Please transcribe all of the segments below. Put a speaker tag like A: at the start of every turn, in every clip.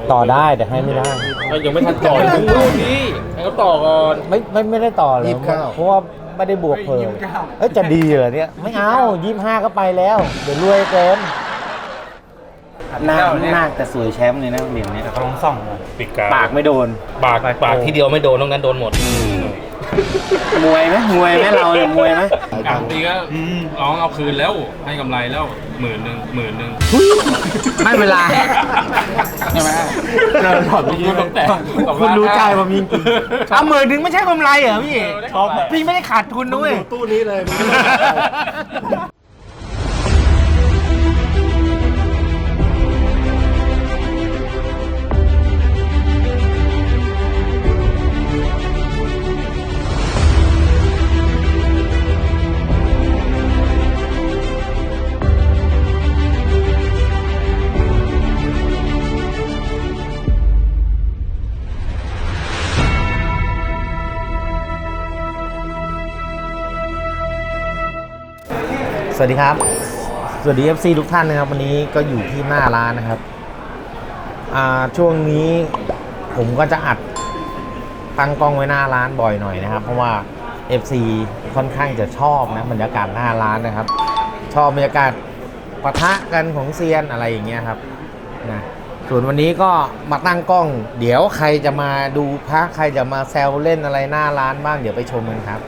A: ต่อได้แต่ให้ไม่ได้
B: ยังไม่ทันต่อเลยลูกนี้ให้เขาต่อก่อน
A: ไม่ได้ต่อเลยเพราะว่าไม่ได้บวกเพิ่มจะดีเหรอเนี่ยไม่เอา25ก็ไปแล้วเดี๋ยวรวยเกินหน้าแต่สวยแชมป์เลยนะเหรียญนี้เขาลองส่อง
B: ปิดกา
A: ปากไม่โดน
B: ปากที่เดียวไม่โดนต้องนั้นโดนหมด
A: มวยไหมเราเนี่ยมวยไหม
B: บางทีก็ร้องเอาคืนแล้วให้กำไรแล้ว10,000
A: ไม่เป็นไร
B: ใช่ไหมเราถอดไปยืมแต่
A: คุณรู้ใจผมจริงๆเอา10,000ไม่ใช่กำไรเหรอพี่พี่ไม่ได้ขาดทุนด้วย
C: ตู้นี้เลย
A: สวัสดีครับสวัสดี FC ทุกท่านนะครับวันนี้ก็อยู่ที่หน้าร้านนะครับช่วงนี้ผมก็จะอัดตั้งกล้องไว้หน้าร้านบ่อยหน่อยนะครับเพราะว่า FC ค่อนข้างจะชอบนะบรรยากาศหน้าร้านนะครับชอบบรรยากาศปะทะกันของเซียนอะไรอย่างเงี้ยครับนะส่วนวันนี้ก็มาตั้งกล้องเดี๋ยวใครจะมาดูพระใครจะมาแซวเล่นอะไรหน้าร้านบ้างเดี๋ยวไปชมกันครับ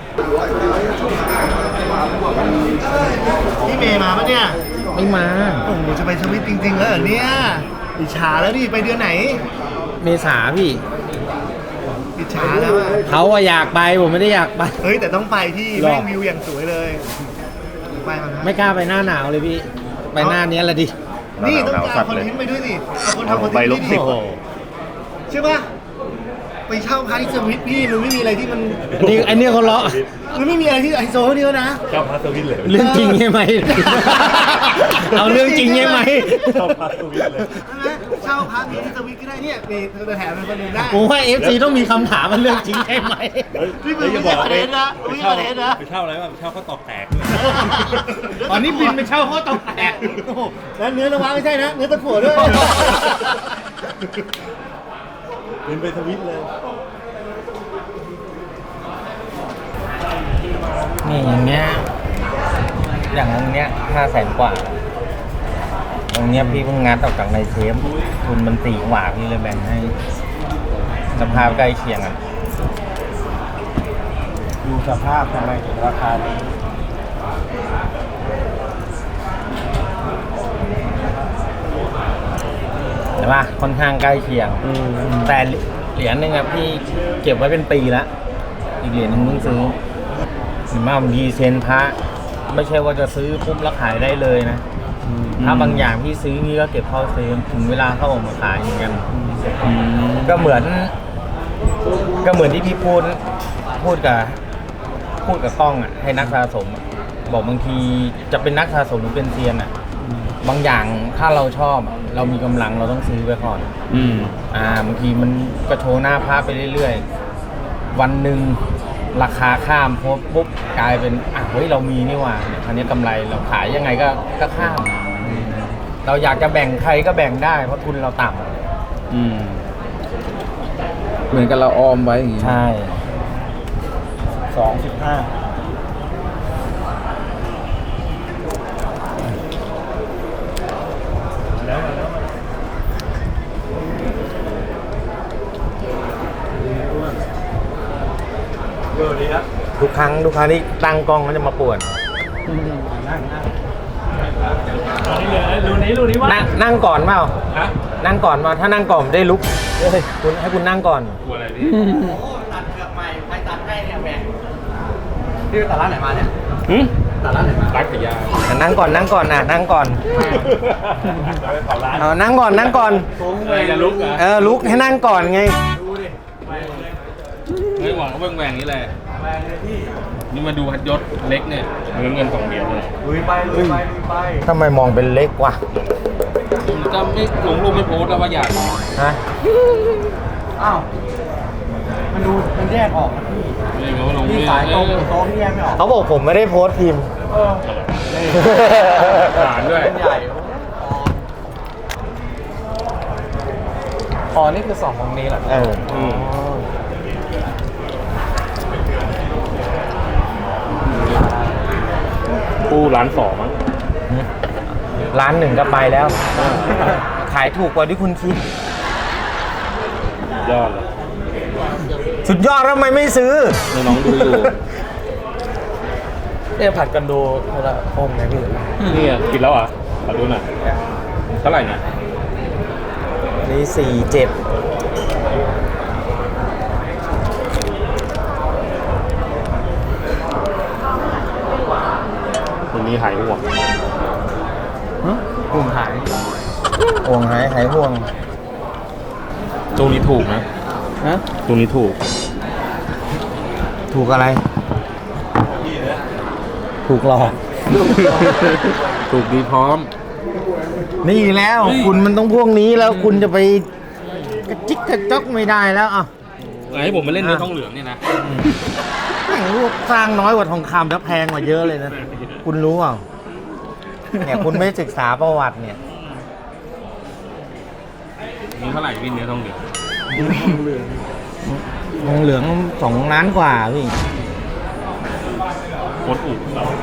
C: พี่เมย์มาปะเนี่ย
A: ไม่มา
C: โอ้โหจะไปสวิตจริงๆแล้วเหรอเนี่ยอิจฉาแล้วดิไปเดือนไหน
A: เมษาพี่
C: อิจฉาแล้ว
A: เขาอยากไปผมไม่ได้อยากไป
C: เฮ้ยแต่ต้องไปที่แม่งวิวอย่างสวยเลยไปมั้ย
A: ไม่กล้าไปหน้าหนาวเลยพี่ไปหน้านี้แหละดิ
C: นี่ต้องการคอนเทนต์ไปด้วยสิเอาคนทำคอนเทนต์ดิใช่ปะไปเช่าพาร์ทที่สวิตพี่มันไม่มีอะไรที่มัน
A: อันนี้เขาเลาะ
C: มันไม่มีอะไรที่ไฮโซเดียวนะ
B: เช่าพาร์ทสวิตเลย
A: เรื่องจริงใช่ไหมเอาเรื่องจริงใช่ไหม
B: เช่าพาร์ทสวิตเลย
C: ใช่ไหมเช่าพาร์ทที่สวิตก็ได้เนี่ยมีเธอแถมเป็นคนหนึ่งได้
A: ผมว่า FC ต้องมีคำถามมันเรื่องจริงใช่ไหม
C: นี่มึงไม่ใช่ประเด็นนะไม่ใช่ประเด็นนะ
B: ไปเช่าอะไรบ้างไปเช่าข้าวตอกแตก
A: ตอนนี้บินไปเช่าข้าวตอกแตก
C: แล้วเนื้อระวังไม่ใช่นะเนื้อตะกั่วด้วย
B: บินไปสวิตเลย
A: นี่อย่างเงี้ยอย่างตรงเนี้ย500,000 กว่าตรงเนี้ยพี่เพิ่งงัดออกจากในเชฟทุนมัน4 กว่าพี่เลยแบ่งให้สภาพใกล้เคียงอ่ะดูสภาพทำไมถึงราคานี้เห็นป่ะค่อนข้างใกล้เคียงแต่เหรียญนึงอะพี่เก็บไว้เป็นปีแล้วอีกเหรียญนึงเพิ่งซื้อมาดีเซนพระไม่ใช่ว่าจะซื้อปุ๊บแล้วขายได้เลยนะถ้าบางอย่างพี่ซื้อนี่ก็เก็บเข้าเซฟถึงเวลาเขาออกมาขายอย่างเงี้ยก็เหมือนที่พี่พูดกับกล้องอ่ะให้นักสะสมบอกบางทีจะเป็นนักสะสมหรือเป็นเซียนอ่ะบางอย่างถ้าเราชอบเรามีกำลังเราต้องซื้อไว้ก่อนบางทีมันกระโชว์หน้าพระไปเรื่อยๆวันหนึ่งราคาข้ามปุ๊บกลายเป็นเฮ้ยเรามีนี่หว่าอันนี้กำไรเราขายยังไงก็ข้ามเราอยากจะแบ่งใครก็แบ่งได้เพราะทุนเราต่
C: ำเหมือนกับเราออมไว้อย่างงี้
A: ใช่
C: 25
A: ทุกครั้งที่ตั้งกล้องก็จะมาป่วนนั่งก่อนเปล่านั่งก่อนมาถ้านั่งก่อนได้ลุกคุณให้คุณนั่งก่อน
B: กลัวอะไรดิ
C: ตัดเกือบใหม่ใครตัดให้เนี่ยแม่พี่ตัดร้านไหนมาเนี่ยตัดร้านไหนมา
B: ร้านขายยา
A: นั่งก่อนนะนั่งก่อนนั่งก่อน
B: ลุก
A: ลุกให้นั่งก่อนไง
B: ไม่หวังว่าแหว่งนี้แหละนี่มาดูฮัดยศเล็กเนี่ยเงิน2 เหรียญเลย
C: ไป
A: ทำไมมองเป็นเล็กวะ
B: จะไม่ลงไม่โพสแล้วว่าอยาก
A: ฮะ
C: อ้าวมันแยกออกพี่สายตรงพี่แยกไม่ออก
A: เขาบอกผมไม่ได้โพสพิมพ์
B: ฐานด้วย
C: ใหญ่
D: อ๋อนี่คือ2ของนี้เหรอ
A: เออ
B: ปูร้าน2มั้ง
A: ร้านหนึ่งก็ไปแล้ว ขายถูกกว่าที่คุณคิด
B: ยอดเลย
A: สุดยอดแล้วทำไมไม่ซื้อ
B: น้องๆดูอยู่
D: เนี่ยผัดกันดูคนละองค์ไงพี่
B: นี่กินแล้วอ่ะขอดูหน่อยเท่าไหร่เนี่ย
A: นี่47
B: วันนี้หายห่วง
D: กลุ่มหาย
A: ห่วงหายห่วง
B: ตัวนี้ถูกนะ
D: ฮะ
B: ตัวนี้ถูก
A: ถูกอะไร ถูกหลอก
B: ถูกดีพร้อม
A: นี่แล้ว
B: เฮ้ย
A: คุณมันต้องพวกนี้แล้วคุณจะไปกระจิกกระจกไม่ได้แล้วอ่ะ
B: ให้ผมมาเล่นเนื้อทองเหลืองเนี่ยนะ
A: แม่งรูปสร้างน้อยกว่าทองคำแล้วแพงกว่าเยอะเลยนะ คุณรู้เปล่าเนี่ยคุณไม่ศึกษาประวัติเนี่ย
B: นี่เท่าไหร่พี่เนื้อทองเหลือง
A: ทองเหลือง2 ล้านกว่าพี่
B: โคตรอุก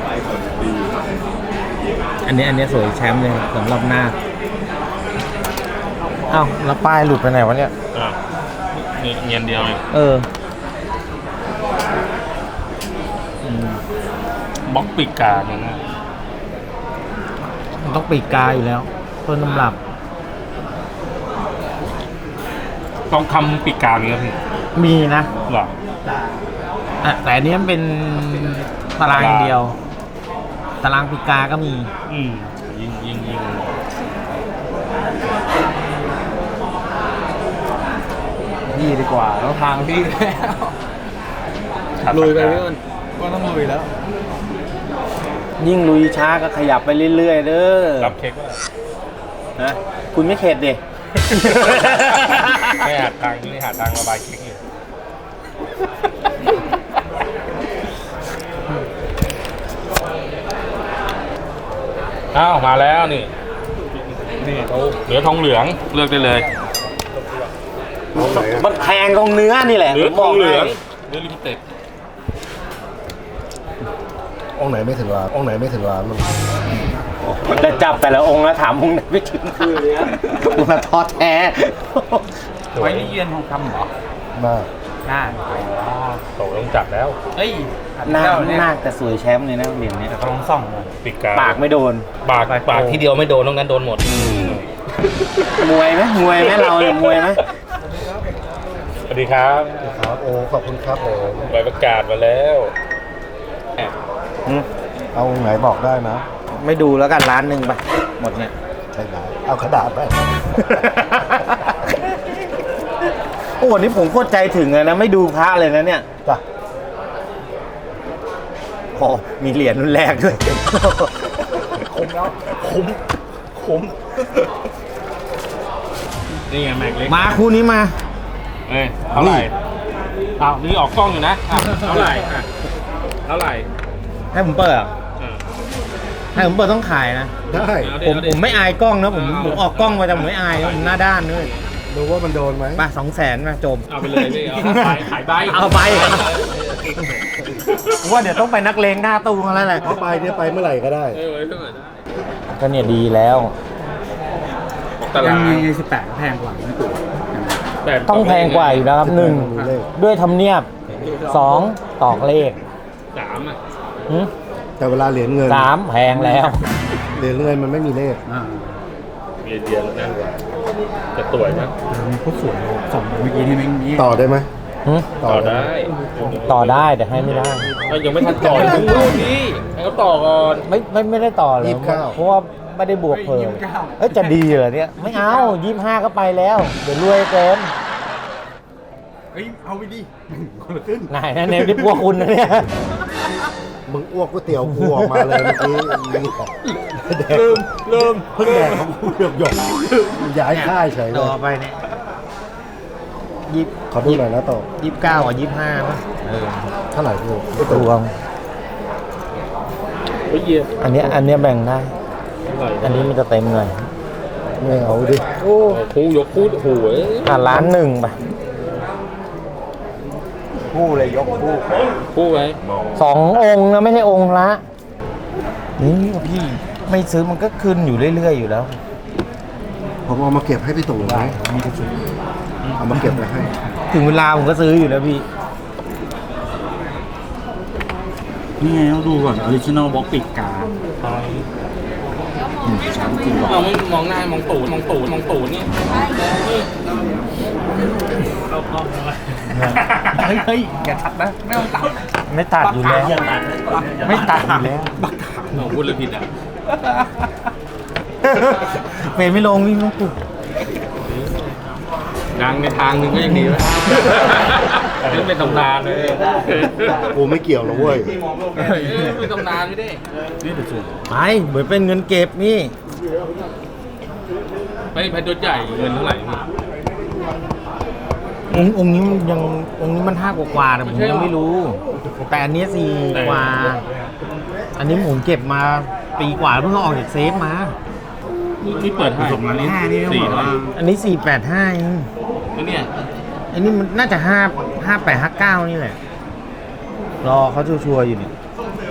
A: อันนี้สวยแชมป์เลยสำหรับหน้าอ้าวแล้วป้ายหลุดไปไหนวะเนี่ย
B: อ่ะนี่เงียนเดียวเอง
A: เออ
B: บล็อกปีกกาเนี่ยนะ
A: มันต้องปีกกาอยู่แล้ว ต้นตำรับ
B: ต้องคำปีกกามีครับพี่
A: มีนะ
B: หรอ
A: อ่ะแต่อันนี้มันเป็นตารางอย่างเดียว ตารางปีกกาก็มี
B: ยิง
D: นี่ดีกว่าแล้วทางพี่แล้ว ลุยไปพี่อ้นก็ต้องลุยแล้ว
A: ยิ่งลุยช้าก็ขยับไปเรื่อยๆเด้อ
B: รับเค้กว่า
A: นะคุณไม่เข็ดดิ
B: ไม่หาทางนี่หาทางระบายเค้กอยู่อ้าวมาแล้วนี่เขาเหลือทองเหลืองเลือกได้เลย
A: มันแพงตรงเนื้อนี่แหละ
B: เหลือ
A: ผม
B: ท
A: บ
B: อ
A: อง ก
B: เหลือง
A: ให้
B: เนื้อลิมิเต็ด
C: องค์ไหนไม่ถึงว่าองค์ไหนไม่ถึงว่ามัน
A: มันจะจับแต่ละองค์แล้วถามองค์ไหนไม่ถึงคือเลยคุณมาท้อแท้
D: ไว้นี่เยือนทองคำเหรอ
C: มาก
D: น่า
B: โตต้องจับแล้ว
D: เฮ้ย
A: หน้าแต่สวยแชมป์เลยนะเหรียญเนี้ย
D: แต่ก็ลองส่องเลย
B: ปีกกา
A: ปากไม่โดน
B: ปากที่เดียวไม่โดนนอกนั้นโดนหมด
A: มวยไหมเราเนี่ยมวยไหม
B: สวัสดีครับ
C: ครับโอ้ขอบคุณครับผม
B: ใบประกาศมาแล้ว
C: เอาองค์ไหนบอกได้นะ
A: ไม่ดูแล้วกันร้านหนึ่งไปหมดเนี่ย
C: ใช่ไหมเอากระดาษไป
A: โอ้วันนี้ผมโคตรใจถึงเลยนะ ไม่ดูพระเลยนะเนี่ย
C: จ้ะ
A: โอ้มีเหรียญรุ่นแรกด้วย
C: คุ้มแล้วคุ้ม
B: นี่ไงแม็กเล็ก
A: มาคู่นี้มา
B: เอ้ยเท่าไหร่อ้าวนี่ออกกล้องอยู่นะอ้าวเท่าไหร่อ่ะเท่าไหร่
A: ให้ผมเปิดเหรอ
B: อ่า
A: ให้ผมเปิดต้องขายนะ
C: ได้
B: เอา
A: ผม
B: ดิ
A: ไม่อายกล้องนะผมออกกล้องมาแต่ผมไม่อายนะผมหน้าด้านด้วย
C: ดูว่ามันโดนไหม
A: ป่ะ200,000มาจบ
B: เอาไปเลยพี่เอาไปขายใบ
A: เอาไปว่าเดี๋ยวต้องไปนักเลงหน้าตู้กันแล้วแหละ
C: เอาไปเนี่ยไปเมื่อไหร่ก็ได้
B: เออไว้เท่าไหร่ได้
A: ก็เนี่ยดีแล้ว
B: ตลาด
D: มี18แพงกว่าไม่ถูก
A: ต้องแพงกว่าอยู่แล้วครับ
C: เลข
A: 1ด้วยธรรมเนียบ2ตอกเลข
B: สามอ่ะ
A: หึ
C: แต่เวลาเหรียญเงิน
A: 3แพงแล้ว
C: เหรียญเงินมันไม่มีเลข
B: เดียนเดียนนั่นจะสวยนะ
D: มันก็สวยส่องเมื่อกี้นี่แม่งนี่
C: ต่อได้ไหม
A: หึ
B: ต่อได้
A: ต่อได้แต่ให้ไม่ได้
B: ยังไม่ทันต่อเลยดูดิให้เขาต่อก่อน
A: ไม่ได้ต่อเลยเพราะว่าไม่ได้บวกเพิ่มจะดีเหรอเนี่ยไม่เอา25ก็ไปแล้ว เดี๋ยวรวยเกิน
D: เฮ้ยเอาไปดิคนละครึ่ง
A: ไหนนะเนี่ยที่พวกคุณนะเนี่ย
C: มึงอ้วกก๋วยเตี๋ยวกูออกมาเลยเมื่อกี้แดก
B: เริ่ม
C: เพิ่งแดกของกูหยกย้ายค่ายเฉยเล
A: ต่อย ไปเนี่ย
C: ขอดูหน่อยนะโต
A: 29กับ25ป่ะ
C: เท่าไหร่พี่ไอ้
A: ร
C: ตัว
A: วม
B: เฮ้ยเยี่ยม
A: อันเนี้ยแบ่งได้
B: เท่าไหร่
A: อันนี้มันจะเต็มเลย
C: ไม่เอาดิ
B: โอ้คู่ยกคู่โอ้โห
A: ล้านหนึ่งไป
D: คู่เลยยกคู่
B: คู่ไว้
A: 2 องค์นะไม่ใช่องค์ละนี่พี่ไม่ซื้อมันก็ขึ้นอยู่เรื่อยๆอยู่แล้ว
C: ผมเอามาเก็บให้พี่ตู่ไว้เอามาเก็บไว้ให้
A: ถึงเวลาผมก็ซื้ออยู่แล้วพี่
D: นี่ไงต้องดูก่อนออริจินอลบ็อกปิดการ์ดชั้นจริงว่ะ
B: เราไม่มองหน้ามองตูดนี่
D: เฮ้ยอย่าทัดนะไม่ต้องตัด
A: ไม่ตัดอยู่แล้ว ไม่ตัดอยู่แล้ว
B: เราพูดเลยผิดอ่ะ
A: เฟรมไม่ลงวิ่งลงปุ๊บ
B: ดังในทางหนึ่งก็ยังดีวะนี่เป็นตำนานเลย
C: กูไม่เกี่ยวหรอกเว้ย
B: เป็นตำนานไม่ได้
D: นี่เดี๋ยวสูง
A: ไปเหมือนเป็นเงินเก็บนี่
B: ไม่แพทยศใหญ่เงินเท่าไหร่พี่
A: องค์นี้มันยังองค์นี้มัน5 กว่าแต่ผมยังไม่รู้ แต่อันนี้4 กว่า อันนี้ผมเก็บมาปีกว่าเพิ่งเอาออกจากเซฟมา
B: นี่เปิดให้4เท่าไหร่
A: อันนี้485เอง
B: แล้วเนี่ย
A: อันนี้มันน่าจะ5859นี่แหละ รอเขาชัวร์ๆอยู่เนี่ย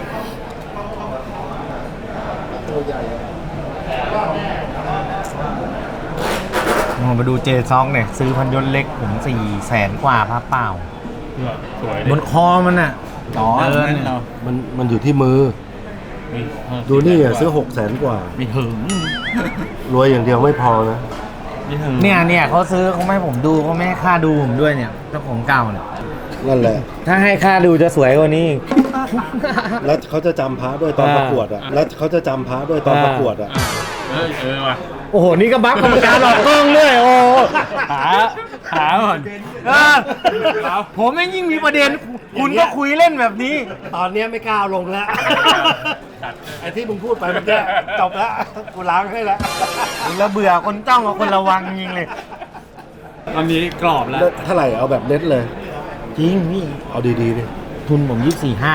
A: มาดูเจซองเนี่ยซื้อพันยนต์เล็กผม400,000 กว่าพระเปล่า
B: สวย
A: บนคอมันอ่ะ
D: อ๋อ
A: เดิน
D: นั่น
A: เนี่ย
D: เรา
C: มันอยู่ที่มือ ดูนี่อ่ะซื้อ600,000 กว่า
D: ไม่ถึง
C: รวยอย่างเดียวไม่พอนะ
D: ไม่ถึง
A: เนี่ยเขาซื้อเขาไม่ให้ผมดูเขาไม่ให้ค่าดูผมด้วยเนี่ยเจ้าของเก่าเนี่ย
C: นั่นแหละ
A: ถ้าให้ค่าดูจะสวยกว่านี้อีก
C: แล้วเขาจะจำพระด้วยตอนประกวดอ่ะ แล้วเขาจะจำพระด้วยตอนประกวดอ่ะ
B: ว่ะ
A: โอ้โห นี่ก็บัฟกรรมการหลอกกล้องด้วยโอ้
D: หาก่อน
A: เออผมไม่ยิ่งมีประเด็น คุณก็คุยเล่นแบบนี้
C: ตอนเนี้ยไม่กล้าเอาลงแล้ว ไอ้ที่มึงพูดไปเมื่อกี้จบแล้ว กูล้างให้แล้ว
A: แล้วเบื่อคนจ้องกับคนระวังยิงเลย
D: ตอนนี้กรอบแล้ว
C: เท่าไหร่เอาแบบเน็ตเลย
A: จริงพี่
C: เอาดีๆดิ
A: ทุนผม24.5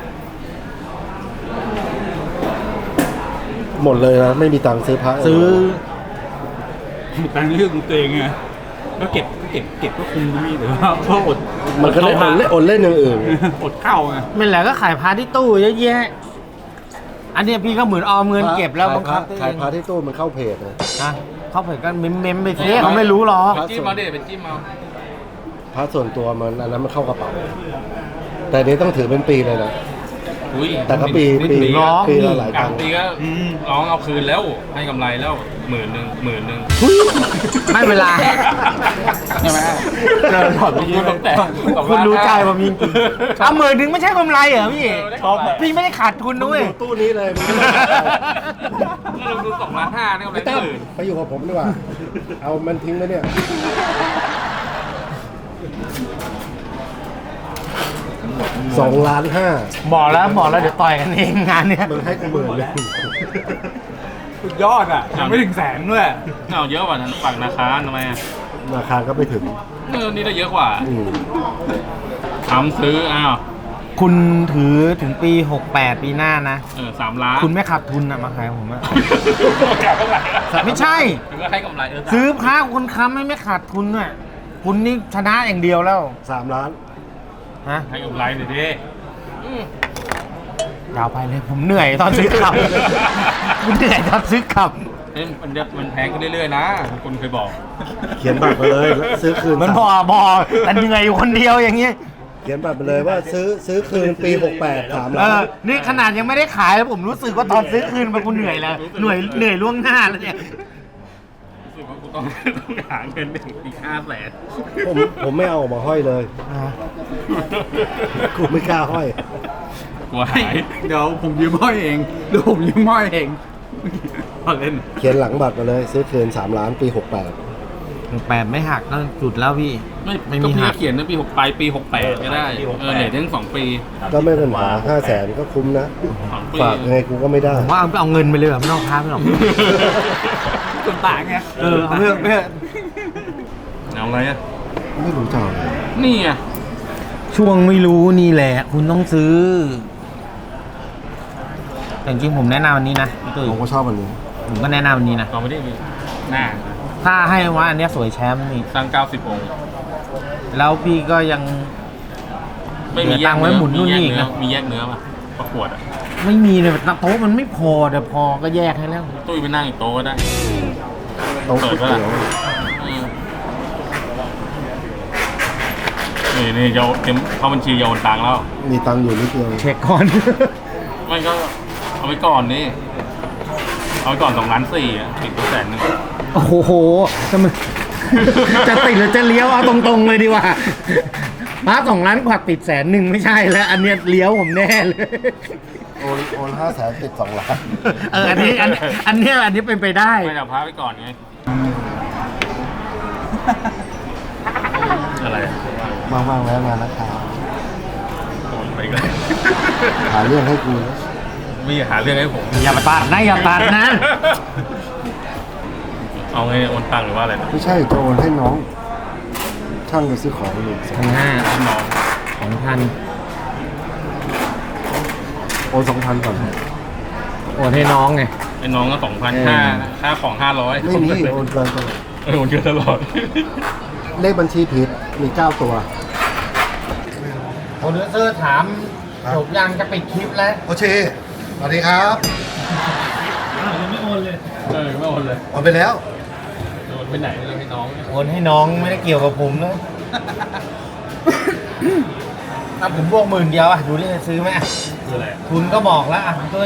C: หมดเลยนะ ไม่มีตังค์ซื้อพระ
A: ซื้อ
D: ตังค์เรื่องตัวเองไงก็เก็บก็คุมนี่แต่ว่าก็อด
C: มันก็ได้อดเล่นอย่างอื่น
D: อดเข้าไง
A: ไม่แหละก็ขายพาที่ตู้เยอะแยะ อันเนี้ยพี่ก็เหมือนออมเงินเก็บแล้วบังคับตัวเอ
C: ขาย
A: ง
C: พระที่ตู้มันเข้าเพจนะ
A: นะเขาเผยกันเมมไปสิเขาไม่รู้หรอก
B: เป็นจิ้มเอาดิเป็นจิ้มเอา
C: พระส่วนตัวมันอันนั้นมันเข้ากระเป๋า แต่อันนี้ต้องถือเป็นปีเลยนะ
B: อุ้ย
C: แต่ก็ปีละหลาย
B: กลา
C: ตั
B: ง
C: งค์
B: ปีก็ร้องเอาคืนแล้วให้กำไรแล้ว10,000
A: ไม่เป็นไร
D: ใช่ไหมเจอถอดไปยืน
B: แต่
A: คุณรู้ใจผมจริงๆเอา10,000ไม่ใช่กำไรเหรอพี่
B: ชอบ
A: พี่ไม่ได้ขาดทุนด้วย
C: ตู้นี้เลย
B: เราดู2.5นี่กำไร
C: ไม่ตั้มไปอยู่กับผมดีกว่า เอามันทิ้งไว้เนี่ย2,500,000
A: บอกแล้วเดี๋ยวต่อยกันเองงานเนี้ย
C: มึงให้กู10,000เลย
D: สุดยอดอ่ะยังไม่ถึงแสนด้วย
B: เอาเยอะกว่าฝั่งนาคาทำไมอ่ะ
C: ราคาก็ไม่ถึง
B: นี่ได้เยอะกว่า
C: อืม
B: ทำซื้ออ้าว
A: คุณถือถึงปี 68 ปีหน้านะ
B: 3 ล้าน
A: คุณไม่ขาดทุนอะมาขายผมอะ ไม่ใช่
B: ถึงก็ให้กำไร
A: ซื้อพระคนค้ำให้ไม่ขาดทุนอะคุณนี่ชนะอย่างเดียวแล้ว
C: 3 ล้าน
A: ฮะ
B: ให้กำไรหน่อยดิ
A: ยาวไปเลยผมเหนื่อยตอนซื้อขับ คุณเหนื่อยตอนซื้อขับ
B: มันแพงขึ้นเรื่อยๆนะคุณเคยบอก
C: เขียนบัตรไปเลยแล้วซื้อคืน
A: มันพอแต่เหนื่อยอยู่คนเดียวอย่างเงี้ย
C: เขียนบัตรไปเลยว่าซื้อคืนปี 68 3 ล้าน
A: นี่ขนาดยังไม่ได้ขายแล้วผมรู้สึกว่าตอนซื้อคืนมันกูเหนื่อยแล้วเหนื่อยล่วงหน้าแล้วเนี่ย
B: รู้สึกว่ากูต้องหาเงินอีก500,000
C: ผมไม่เอาออกมาห้อยเลย กูไม่กล้าห้อย
B: กลัวหาย
D: เดี๋ยวผมยืมห้อยเองพอเล่น
C: เขียนหลังบัตรมาเลย ซื้อคืน3 ล้านปี 68
A: 8ไม่หักก็จุดแล้วพี่
B: ไม่มีเขียนตั้งปี 68ก็ได้เนี่ยทั้ง2 ปี
C: ก็ไม่เป็นปัญหา500,000 ก็คุ้มนะ
B: 2 ปี
C: ฝากยังไงกูก็ไม่ได้
A: ผมว่าเอาเงินไปเลยแบบไม่ต้องค้าไม่หรอก
D: ส่วนต่างไง
A: เอาเพื่อ
B: เอาอะไรอ่ะ
C: ไม่รู้จัก
B: นี่ไง
A: ช่วงไม่รู้นี่แหละ คุณต้องซื้อ แต่จริงๆผมแนะนำวันนี้นะพี่ตุ้ย
C: ผมก็ชอบอันนี้
A: ผมก็แนะนำวันนี้นะ
B: เอาไม่ได้มีน่า
A: ถ้าให้ว่าอันเนี้ยสวยแชมป์นี่
B: สร้าง90 องค์
A: แล้วพี่ก็ยัง
B: ไม่มี
A: เหลือตังค์ไว้หมุนนู่นนี่อีกนะ
B: มีแยกเนื้อป่ะประกวดอ่ะ
A: ไม่มีเลยโต๊ะมันไม่พอเดี๋ยวพอก็แยกให้แล้ว
B: ตุ้ยไปนั่งอีกโต๊ะก็ได้
C: โต๊ะก๋วยเตี๋ยว
B: นี่เยาเต็มเข้าบัญชีเยาโอนตังค์แล้ว
C: มีตังค์อยู่นิดเดียว
A: เช็คก่อน
B: ไม่ก็เอาไปก่อนนี่เอาไปก่อน2.4 ล้านอ่ะติด100,000
A: โอ้โหจะมัน จะติดหรือจะเลี้ยวเอาตรงๆเลยดีกว่ามา2 ล้านกว่าติด100,000ไม่ใช่แล้ว อันเนี้ยเลี้ยวผมแน่เลย
C: โอน500,000ติด2 ล้าน
A: อันนี้เป็นไปได้
B: ไม่เอาพาไปก่อนไงอะไรอะ
C: ว่างๆแล้วงานนะครับ
B: โอนไปก่อน
C: หาเรื่องให้กูนะ
B: มีหาเรื่องให้ผม
A: อย่าตัดนะอย่าตัดนะ
B: เอาไงโอนตังค์หรือว่าอะไรนะ
C: ไม่ใช่จะโอนให้น้อง ช่างจะซื้อของหนึ่ง
A: 1,500
B: น้อง
A: 2,000
C: โอน2,000ก่อน
A: โอนให้น้องไง
B: ไอ้น้องก็2,000ค่าของ500
C: ไม่มีโอนเกินตัว
B: โอนเยอะตลอด
C: เลขบัญชีผิดมี9 ตัว
A: โปรดิวเซอร์ถามจบยังจะปิดคลิปแล้ว
C: โอเคสวัสดีครับ
B: ไม่โอนเลยไม่โอนเลย
C: โอนไปแล้ว
B: โอนไปไหนเลยให้น้อง
A: โอนให้น้องไม่ได้เกี่ยวกับผมเลย ถ้าผมบวก10,000อ่ะดูดิจะซื้อไหมอ่ะ
B: คืออะไร
A: ทุนก็บอกแล้วอ่ะด้วย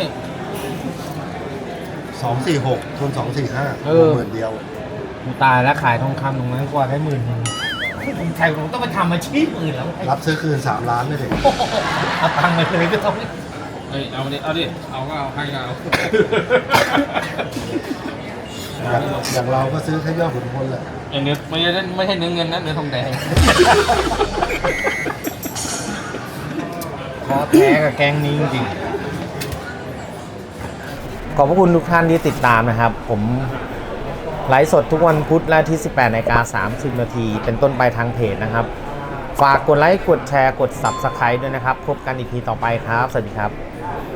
C: 246ทุน245
A: เออ
C: หมื่นเดียว
A: กูตายแล้วขายทองคำตรงนั้นกว่าได้10,000ผมใช่ผมต้องไปทำอาชีพอื่นแล้ว
C: รับซื้อคืน3 ล้านได้เลย
A: เอาตังค์ไปเลยก็ต้อง
B: เอ้ยเอาดิเอาก็เอาให้ก็เอา
C: อย่างเราก็ซื้อแค่ยอดขุนพลแหละ
B: ไอ้เนื้อไม่ใช่เนื้อเงินนะเนื้อทองแดง
A: ขอแพ้กับแกงนี้จริงๆขอบพระคุณทุกท่านที่ติดตามนะครับ ผมไลฟ์สดทุกวันพุธและที่ 18:30 นาทีเป็นต้นไปทางเพจนะครับ ฝากกดไลค์ กดแชร์ กด Subscribe ด้วยนะครับ พบกันอีกทีต่อไปครับ สวัสดีครับ